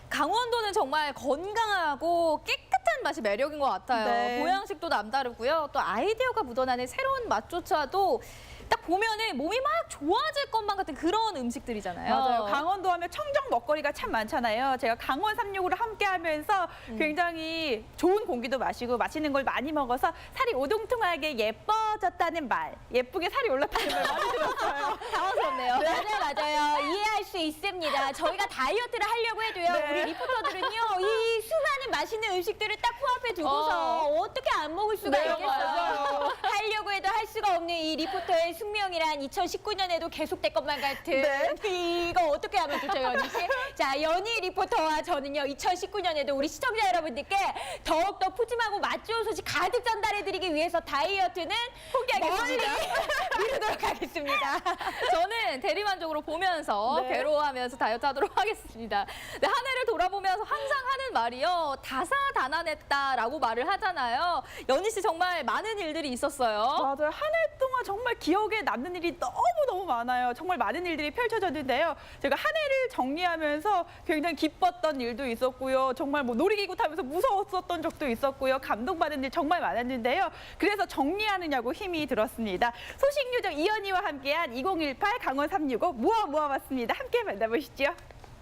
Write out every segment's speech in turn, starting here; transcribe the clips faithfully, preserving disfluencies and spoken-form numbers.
강원도는 정말 건강하고 깨끗한 맛이 매력인 것 같아요. 네. 보양식도 남다르고요. 또 아이디어가 묻어나는 새로운 맛조차도 딱 보면은 몸이 막 좋아질 것만 같은 그런 음식들이잖아요. 맞아요. 강원도 하면 청정 먹거리가 참 많잖아요. 제가 강원 삼육으로 함께 하면서 음. 굉장히 좋은 공기도 마시고 맛있는 걸 많이 먹어서 살이 오동통하게 예뻐졌다는 말, 예쁘게 살이 올랐다는 말 많이 들었어요. 당황스럽네요. 맞아요, 맞아요. 이해할 수 있습니다. 저희가 다이어트를 하려고 해도요, 네. 우리 리포터들은요, 이 수많은 맛있는 음식들을 딱 코앞에 두고서 어. 어. 떻게 안 먹을 수가 네, 있겠어요. 맞아요. 하려고 해도 할 수가 없는 이 리포터의 숙명이란 이천십구 년에도 계속될 것만 같은 네. 이거 어떻게 하면 좋죠, 연희 씨? 자, 연희 리포터와 저는요, 이천십구 년에도 우리 시청자 여러분들께 더욱더 푸짐하고 맛 좋은 소식 가득 전달해드리기 위해서 다이어트는 포기하겠습니다. 멀리 미루도록 하겠습니다. 저는 대리만족으로 보면서 네. 괴로워하면서 다이어트 하도록 하겠습니다. 네, 한 해를 돌아보면서 항상 하는 말이요. 다사다난했다라고 말을 하잖아요. 연희 씨 정말 많은 일들이 있었어요. 맞아요. 한 해 동안 정말 기억에 남는 일이 너무너무 많아요. 정말 많은 일들이 펼쳐졌는데요. 제가 한 해를 정리하면서 굉장히 기뻤던 일도 있었고요. 정말 뭐 놀이기구 타면서 무서웠었던 적도 있었고요. 감동받은 일 정말 많았는데요. 그래서 정리하느냐고 힘이 들었습니다. 소식요정 이연희와 함께한 이천십팔 강원 삼육오 모아 모아봤습니다. 함께 만나보시죠.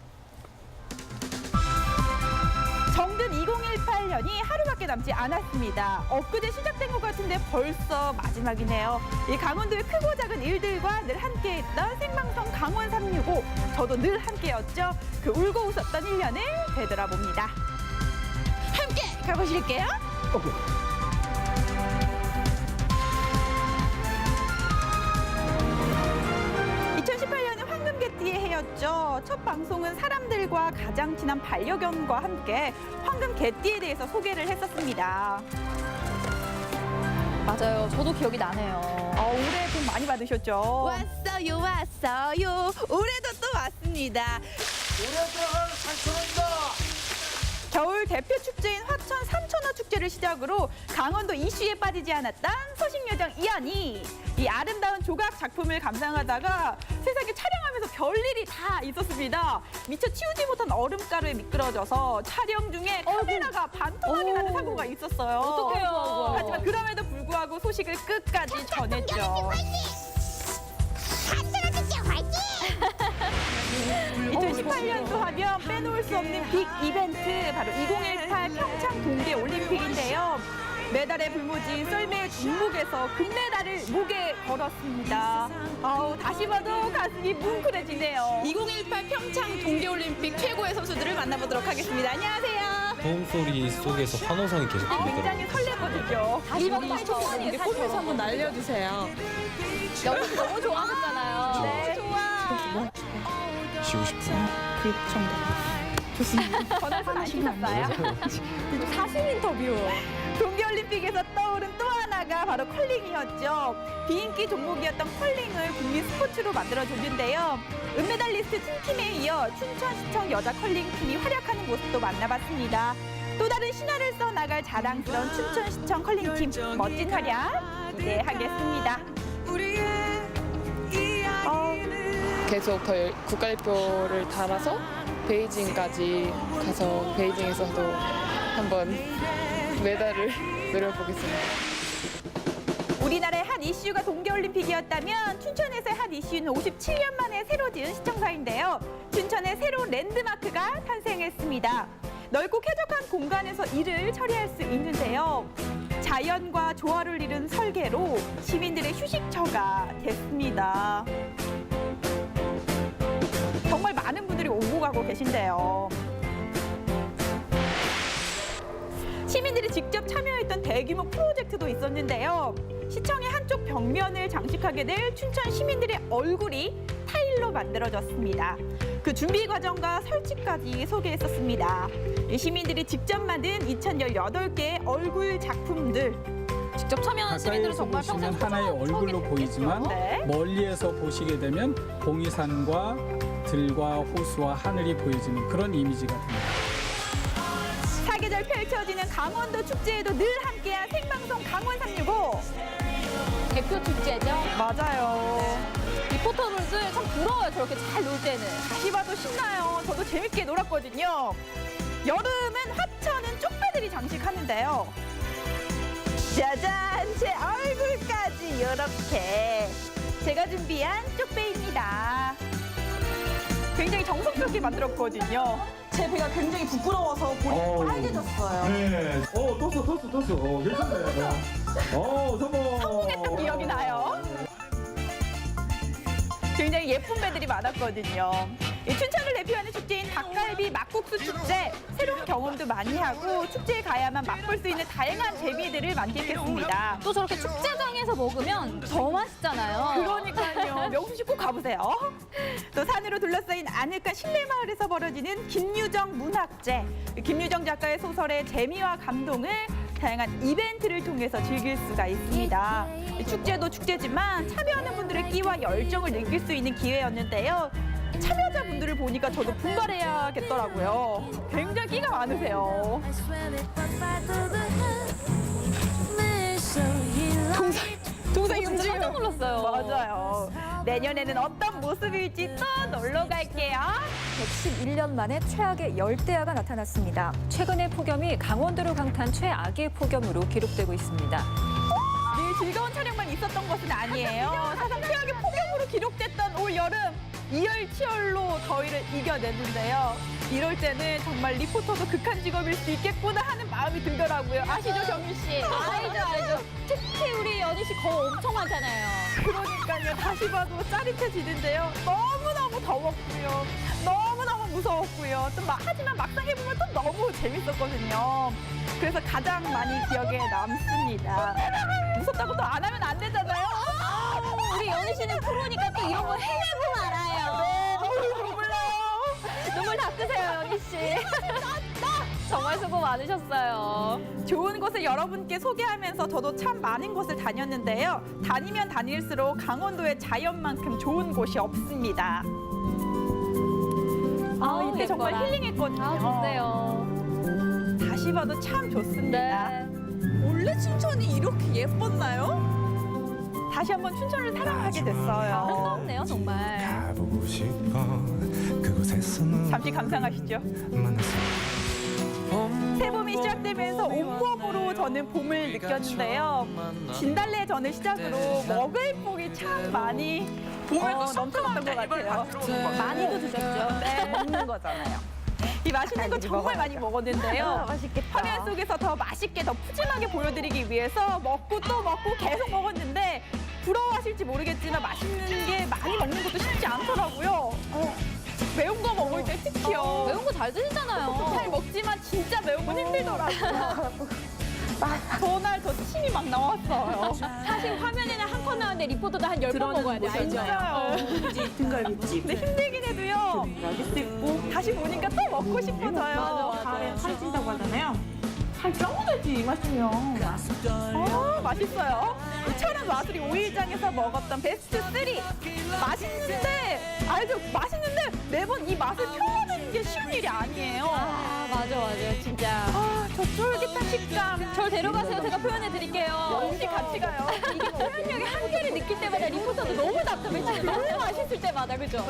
정든 이천십팔 년이 하루밖에 남지 않았습니다. 엊그제 시작된 것 같은데 벌써 마지막이네요. 이 강원도의 크고 작은 일들과 늘 함께했던 생방송 강원 삼육오. 저도 늘 함께였죠. 그 울고 웃었던 일 년을 되돌아봅니다. 함께 가보실게요. 오케이. 이천십팔 년은 황금개띠의 해였죠. 첫 방송은 사람들과 가장 친한 반려견과 함께 황금개띠에 대해서 소개를 했었습니다. 맞아요. 저도 기억이 나네요. 어, 올해 복 많이 받으셨죠? 왔어요 왔어요 올해도 또 왔습니다. 올해 들어갈 삼천원이다. 겨울 대표 축제인 화천 삼천어 축제를 시작으로 강원도 이슈에 빠지지 않았던 소식요정 이연희. 이 아름다운 조각 작품을 감상하다가 세상에 촬영하면서 별일이 다 있었습니다. 미처 치우지 못한 얼음가루에 미끄러져서 촬영 중에 카메라가 반토막이 나는 사고가 있었어요. 어떡해요. 하지만 그럼에도 불구하고 소식을 끝까지 전했죠. 이천십팔 년도 하면 빼놓을 수 없는 빅 이벤트, 바로 이천십팔 평창 동계올림픽인데요. 메달에 불모진 썰매의 종목에서 금메달을 목에 걸었습니다. 아우, 다시 봐도 가슴이 뭉클해지네요. 이천십팔 평창 동계올림픽 최고의 선수들을 만나보도록 하겠습니다. 안녕하세요. 소음소리 속에서 환호성이 계속 아, 굉장히 들리더라고요. 설레거든요. 다시 봐도 처음이에요. 사실. 폰에서 한번 날려주세요. 연희 씨 너무 좋아하셨잖아요. 네. 좋아. 쉬고 싶어요. 전화 받으셨어요? 사심 인터뷰. 동계올림픽에서 떠오른 또 하나가 바로 컬링이었죠. 비인기 종목이었던 컬링을 국민 스포츠로 만들어줬는데요. 은메달리스트 팀팀에 이어 춘천시청 여자 컬링팀이 활약하는 모습도 만나봤습니다. 또 다른 신화를 써나갈 자랑스러운 춘천시청 컬링팀 멋진 활약 기대하겠습니다. 어, 계속 더 열- 국가대표를 달아서 베이징까지 가서 베이징에서도 한번 메달을 노려보겠습니다. 우리나라의 한 이슈가 동계올림픽이었다면 춘천에서의 한 이슈는 오십칠 년 만에 새로 지은 시청사인데요. 춘천의 새로운 랜드마크가 탄생했습니다. 넓고 쾌적한 공간에서 일을 처리할 수 있는데요. 자연과 조화를 이룬 설계로 시민들의 휴식처가 됐습니다. 정말 많은 분들이 오고 가고 계신데요. 시민들이 직접 참여했던 대규모 프로젝트도 있었는데요. 시청의 한쪽 벽면을 장식하게 될 춘천 시민들의 얼굴이 타일로 만들어졌습니다. 그 준비 과정과 설치까지 소개했었습니다. 이 시민들이 직접 만든 이천십팔 개의 얼굴 작품들. 직접 참여한 시민들은 가까이에서 정말 평생 보시면 하나의 소중한 얼굴로 추억이 보이지만 됐겠죠. 네. 멀리에서 보시게 되면 봉이산과 들과 호수와 하늘이 보여지는 그런 이미지가 됩니다. 사계절 펼쳐지는 강원도 축제에도 늘 함께한 생방송 강원 삼육오. 대표 축제죠. 맞아요. 리포터분들 참 부러워요. 저렇게 잘 놀 때는. 다시 봐도 신나요. 저도 재밌게 놀았거든요. 여름은 하천은 쪽배들이 장식하는데요. 짜잔! 제 얼굴까지 이렇게 제가 준비한 쪽배입니다. 굉장히 정성스럽게 만들었거든요. 제 배가 굉장히 부끄러워서 볼이 빨개졌어요. 네. 어, 떴어, 떴어, 떴어. 어, 괜찮네. 어, 성공. 성공했던 기억이 나요. 굉장히 예쁜 배들이 많았거든요. 이 춘천을 대표하는 축제인 닭갈비 막국수 축제, 새로운 경험도 많이 하고 축제에 가야만 맛볼 수 있는 다양한 재미들을 만끽했습니다. 또 저렇게 축제장에서 먹으면 더 맛있잖아요. 그러니까요. 명수 씨 꼭 가보세요. 또 산으로 둘러싸인 아늑한 실내마을에서 벌어지는 김유정 문학제. 김유정 작가의 소설의 재미와 감동을 다양한 이벤트를 통해서 즐길 수가 있습니다. 축제도 축제지만 참여하는 분들의 끼와 열정을 느낄 수 있는 기회였는데요. 참여자분들을 보니까 저도 분발해야겠더라고요. 굉장히 끼가 많으세요. 동생이 진짜 움직여요. 깜짝 놀랐어요. 맞아요. 내년에는 어떤 모습일지 또 놀러 갈게요. 백십일 년 만에 최악의 열대야가 나타났습니다. 최근의 폭염이 강원도를 강타한 최악의 폭염으로 기록되고 있습니다. 늘 즐거운 촬영만 있었던 것은 아니에요. 사상 최악의 폭염으로 기록됐던 올 여름 이열치열로 더위를 이겨냈는데요. 이럴 때는 정말 리포터도 극한 직업일 수 있겠구나 하는 마음이 들더라고요. 아시죠, 경민 씨? 알죠, 알죠. 특히 우리 연희 씨 거 엄청 많잖아요. 그러니까요. 다시 봐도 짜릿해지는데요. 너무너무 더웠고요. 너무너무 무서웠고요. 또 막, 하지만 막상 해보면 또 너무 재밌었거든요. 그래서 가장 많이 기억에 남습니다. 무섭다고 또 안 하면 안 되잖아요. 우리 연희 씨는 프로니까 또 이런 거 해내고 말아요. 눈물 나요. 눈물 닦으세요, 연희 씨. 정말 수고 많으셨어요. 좋은 곳을 여러분께 소개하면서 저도 참 많은 곳을 다녔는데요. 다니면 다닐수록 강원도의 자연만큼 좋은 곳이 없습니다. 아, 아우, 이때 정말 예뻐라. 힐링했거든요. 아, 좋네요. 다시 봐도 참 좋습니다. 네. 원래 춘천이 이렇게 예뻤나요? 다시 한번 춘천을 사랑하게 됐어요. 아름답네요, 정말. 가보고 싶어 그곳에서 잠시 감상하시죠. 만났어. 새봄이 시작되면서 온몸으로 저는 봄을 느꼈는데요. 진달래 전을 시작으로 먹을 복이 참 많이 봄을 어, 넘쳐났던 것 같아요. 많이도 드셨죠? 네, 먹는 거잖아요. 이 맛있는 거 정말 많이 먹었는데요. 화면 속에서 더 맛있게, 더 푸짐하게 보여드리기 위해서 먹고 또 먹고 계속 먹었는데 부러워하실지 모르겠지만 맛있는 게 많이 먹는 것도 쉽지 않더라고요. 어, 매운 거 먹을 때 특히요. 매운 거 잘 드시잖아요. 잘 먹지만 진짜 매운 건 힘들더라고요. 전날 저 침이 막 나왔어요. 사실 화면에는 한 컷 나오는데 리포터도 한 열 번 먹어야 돼, 알죠? 진짜요. 등갈비찜. 근데 힘들긴 해도요. 다시 보니까 또 먹고 싶어져요. 가을에 살이 찐다고 하잖아요. 살 쪄보겠지 이 맛이면. 아, 맛있어요. 천안 와수리 오일장에서 먹었던 베스트 쓰리. 맛있는데, 알죠? 맛있는데 매번 이 맛을 표현하는 게 쉬운 일이 아니에요. 아, 맞아, 맞아. 진짜. 아, 저 쫄깃한 식감. 절 데려가세요. 제가 표현해 드릴게요. 혹시 같이 가요? 이게 표현력의 한계를 느낄 때마다 리포터도 너무 답답해지고 너무 맛있을 때마다, 그죠?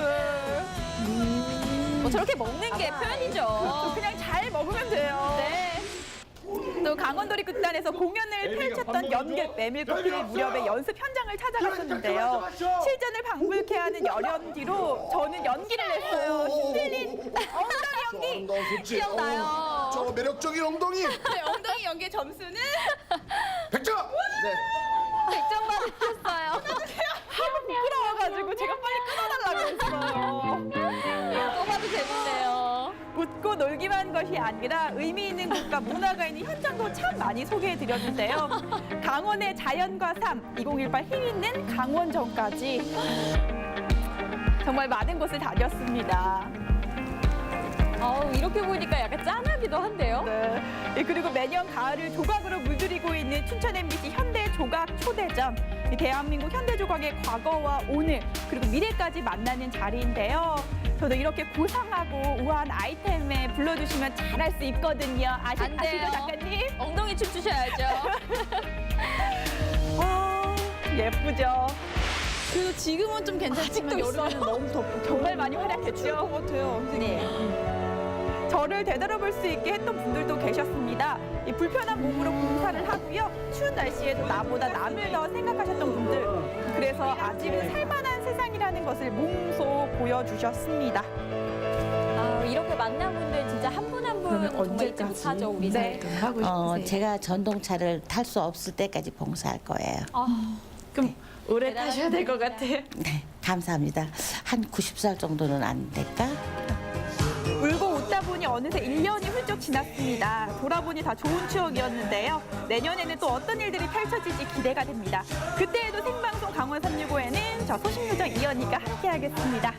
뭐 저렇게 먹는 게 표현이죠. 그냥 잘 먹으면 돼요. 네. 또 강원도리 극단에서 공연을 펼쳤던 연극 메밀꽃필 무렵에 연습 현장을 찾아갔었는데요. 실전을 방불케 하는 열연 뒤로 저는 연기를 했어요. 흔들린 엉덩이 연기. 기억나요. 저 매력적인 엉덩이 네, 엉덩이 연기의 점수는 백 점. 네. 백 점 받으셨어요. 부끄러워가지고 제가 빨리 끊어달라고 했어요. 또 봐도 재밌네요. 웃고 놀기만 한 것이 아니라 의미 있는 곳과 문화가 있는 현장도 참 많이 소개해드렸는데요. 강원의 자연과 삶, 이천십팔 힘 있는 강원전까지 정말 많은 곳을 다녔습니다. 어우, 이렇게 보니까 약간 짠하기도 한데요? 네. 예, 그리고 매년 가을을 조각으로 물들이고 있는 춘천 엠비씨 현대 조각 초대전. 이 대한민국 현대 조각의 과거와 오늘 그리고 미래까지 만나는 자리인데요. 저도 이렇게 고상하고 우아한 아이템에 불러주시면 잘할 수 있거든요. 아시, 안 돼요. 아시죠, 작가님? 엉덩이 춤 추셔야죠. 어, 예쁘죠. 그래도 지금은 좀 괜찮지만 여름에는 너무 덥고 정말 많이 활약했죠. 것 같아요. 네. 저를 되돌아볼 수 있게 했던 분들도 계셨습니다. 이 불편한 몸으로 봉사를 하고요. 추운 날씨에도 나보다 남을 더 생각하셨던 분들. 그래서 아직은 살만한 세상이라는 것을 몸소 보여주셨습니다. 아, 이렇게 만난 분들 진짜 한 분 한 분 정말 잊지 못하죠, 우리 네. 사회. 어, 제가 전동차를 탈 수 없을 때까지 봉사할 거예요. 그럼 오래 대단하십니다. 타셔야 될 것 같아요. 네, 감사합니다. 한 구십 살 정도는 안 될까? 울고 웃다 보니 어느새 일 년이 훌쩍 지났습니다. 돌아보니 다 좋은 추억이었는데요. 내년에는 또 어떤 일들이 펼쳐질지 기대가 됩니다. 그때에도 생방송 강원 삼육오에는 저 소식요정 이연희가 함께하겠습니다.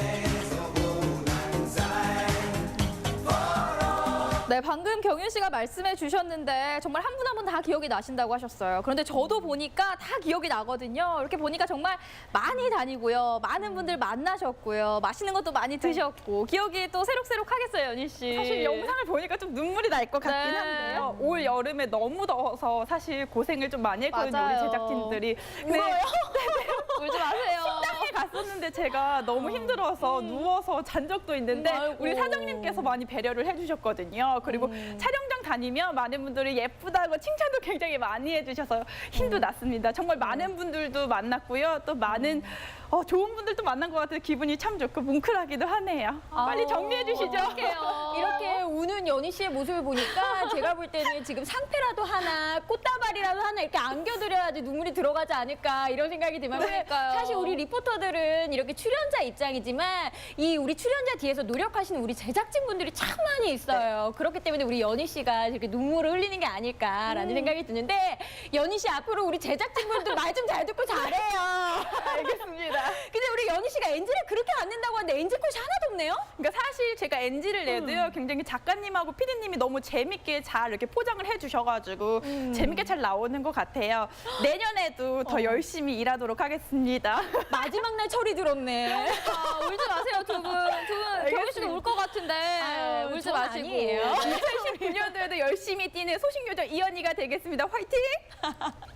네, 방금 경윤 씨가 말씀해 주셨는데 정말 한 분 한 분 다 기억이 나신다고 하셨어요. 그런데 저도 보니까 다 기억이 나거든요. 이렇게 보니까 정말 많이 다니고요. 많은 분들 만나셨고요. 맛있는 것도 많이 드셨고 기억이 또 새록새록하겠어요, 연희 씨. 사실 영상을 보니까 좀 눈물이 날 것 같긴 네. 한데요. 올 여름에 너무 더워서 사실 고생을 좀 많이 했거든요, 맞아요. 우리 제작진들이. 네. 울지 마세요. 식당에 갔었는데 제가 너무 힘들어서 누워서 잔 적도 있는데 아이고. 우리 사장님께서 많이 배려를 해주셨거든요. 그리고 촬영장 다니면 많은 분들이 예쁘다고 칭찬도 굉장히 많이 해주셔서 힘도 났습니다. 정말 많은 분들도 만났고요. 또 많은 어, 좋은 분들도 만난 것 같아서 기분이 참 좋고 뭉클하기도 하네요. 빨리 정리해 주시죠. 이렇게 우는 연희 씨의 모습을 보니까 제가 볼 때는 지금 상패라도 하나, 꽃다발이라도 하나 이렇게 안겨드려야지 눈물이 들어가지 않을까 이런 생각이 들면 그러니까요. 사실 우리 리포터들은 이렇게 출연자 입장이지만 이 우리 출연자 뒤에서 노력하시는 우리 제작진분들이 참 많이 있어요. 그렇기 때문에 우리 연희 씨가 이렇게 눈물을 흘리는 게 아닐까라는 생각이 드는데 연희 씨 앞으로 우리 제작진분들 말 좀 잘 듣고 잘해요. 알겠습니다. 근데 우리 연희 씨가 엔지를 그렇게 안 낸다고 하는데 엔지 컷이 하나도 없네요? 그러니까 사실 제가 엔지를 내도요 굉장히 작가님하고 피디님이 너무 재밌게 잘 이렇게 포장을 해주셔가지고 재밌게 잘 나오는 것 같아요. 내년에도 더 열심히 일하도록 하겠습니다. 마지막 날 철이 들었네. 아, 울지 마세요, 두 분. 두 분, 경윤 씨도 울 것 같은데. 아유, 울지 전 마시고. 아니에요. 이천십구 년도에도 열심히 뛰는 소식요정 이연희가 되겠습니다. 화이팅!